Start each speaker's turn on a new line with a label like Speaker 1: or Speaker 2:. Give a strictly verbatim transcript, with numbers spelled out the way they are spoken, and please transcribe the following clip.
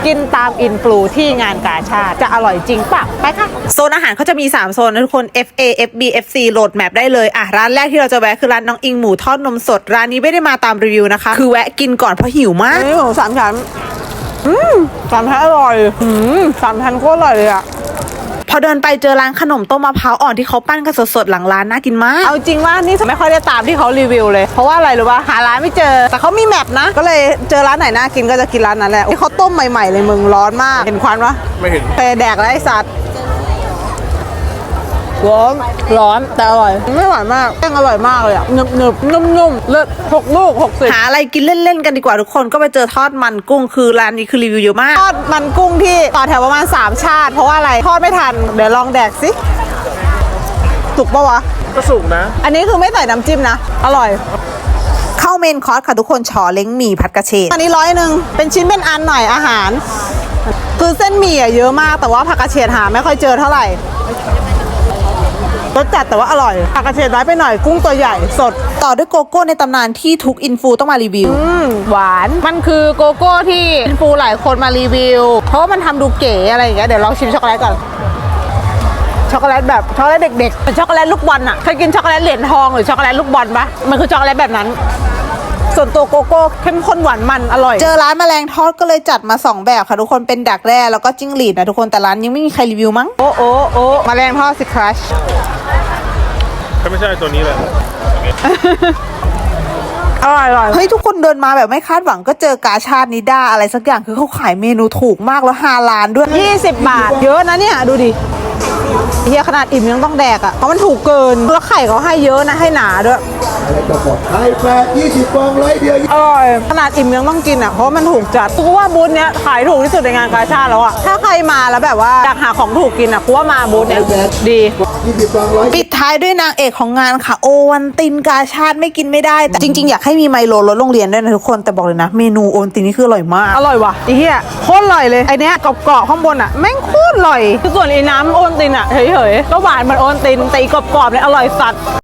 Speaker 1: กินตามอินฟลูที่งานกาชาดจะอร่อยจริงปะไปค่ะโซนอาหารเขาจะมีสามโซนนะทุกคน เอฟ เอ เอฟ บี เอฟ ซี โหลดแมปได้เลยอ่ะร้านแรกที่เราจะแวะคือร้านน้องอิงหมูทอดนมสดร้านนี้ไม่ได้มาตามรีวิวนะคะคือแวะกินก่อนเพราะหิวมากนี่หมูสามชั้นอืมสามชั้นอร่อยอืมสามชั้นโคตรอร่อยเลยอะพอเดินไปเจอร้านขนมต้มมะพร้าวอ่อนที่เขาปั้นกันสดๆหลังร้านน่ากินมากเอาจริงว่านี่ไม่ค่อยได้ตามที่เขารีวิวเลยเพราะว่าอะไรรู้ป่ะหาร้านไม่เจอแต่เขามีแมปนะก็เลยเจอร้านไหนน่ากินก็จะกินร้านนั้นแหละที่เขาต้มใหม่ๆเลยมึงร้อนมากเห็นควันปะไม่เห็นเคยแดกแล้วไอ้สัตว์ร้อนร้อนแต่อร่อยไม่หวานมากแป้งอร่อยมากเลยอ่ะหนึบหนึบนุ่มนุ่มเลิศหกลูกหกสิบหาอะไรกินเล่นๆกันดีกว่าทุกคนก็ไปเจอทอดมันกุ้งคือร้านนี้คือรีวิวเยอะมากทอดมันกุ้งที่ต่อแถวประมาณสามชาติเพราะว่าอะไรทอดไม่ทันเดี๋ยวลองแดกสิสุกปะวะ
Speaker 2: ก็สุกนะ
Speaker 1: อันนี้คือไม่ใส่น้ำจิ้มนะอร่อยเข้าเมนคอร์สค่ะทุกคนชอเล้งหมี่ผัดกระเฉดอันนี้ร้อยหนึ่งเป็นชิ้นเป็นอันหน่อยอาหารคือเส้นหมี่เยอะมากแต่ว่าผักกระเฉดหาไม่ค่อยเจอเท่าไหร่รสจัดแต่ว่าอร่อยผักกระเฉดน้อยไปหน่อยกุ้งตัวใหญ่สดต่อด้วยโกโก้ในตำนานที่ทุกอินฟูต้องมารีวิวอืมหวานมันคือโกโก้ที่อินฟูหลายคนมารีวิวเพราะว่ามันทำดูเก๋อะไรอย่างเงี้ยเดี๋ยวลองชิมช็อกโกแลตก่อนช็อกโกแลตแบบช็อกโกแลตเด็กๆเป็นช็อกโกแลตลูกบอลอ่ะเคยกินช็อกโกแลตเหรียญทองหรือช็อกโกแลตลูกบอลปะมันคือช็อกโกแลตแบบนั้นส่วนตัวโกโก้เข้มข้นหวานมันอร่อยเจอร้านแมลงทอดก็เลยจัดมาสองแบบค่ะทุกคนเป็นดักแร่แล้วก็จิ้งหรีดนะทุกคนแต่ร้านยังไม่มีใครรีวิวมั้งโอ้โอ้โอ้แมลงทอดสิครัช
Speaker 2: ถ้าไม่ใช่ตัวนี้เลย
Speaker 1: อร่อยอร่อยเฮ้ยทุกคนเดินมาแบบไม่คาดหวังก็เจอกาชาดนิด้าอะไรสักอย่างคือเขาขายเมนูถูกมากแล้วห้าล้านด้วยยี่สิบบาทเยอะนะเนี่ยดูดิเฮียขนาดอิ่มยังต้องแดกอ่ะเพราะมันถูกเกินแล้วไข่เขาให้เยอะนะให้หนาด้วย
Speaker 3: ไข่แปดยี่สิบฟองร้อยเดียว
Speaker 1: อร่อยขนาดอิ่มยังต้องกินอ่ะเพราะมันถูกจัดกูว่าบูธเนี้ยขายถูกที่สุดในงานกาชาดแล้วอ่ะถ้าใครมาแล้วแบบว่าอยากหาของถูกกินอ่ะกูว่ามาบูธเนี้ยดีปิดท้ายด้วยนางเอกของงานค่ะโอวันตินกาชาดไม่กินไม่ได้แต่จริงๆอยากให้มีไมโลรถโรงเรียนด้วยนะทุกคนแต่บอกเลยนะเมนูโอวันตินนี่คืออร่อยมากอร่อยว่ะไอ้เหี้ยโคตรอร่อยเลยไอเนี้ยกรอบๆข้างบนอ่ะแม่งโคตรอร่อยส่วนไอ้น้ำโอวันตินอ่ะเฉยๆก็หวานเหมือนโอวันตินแต่อีกรอบๆเนี่ยอร่อยสัตว์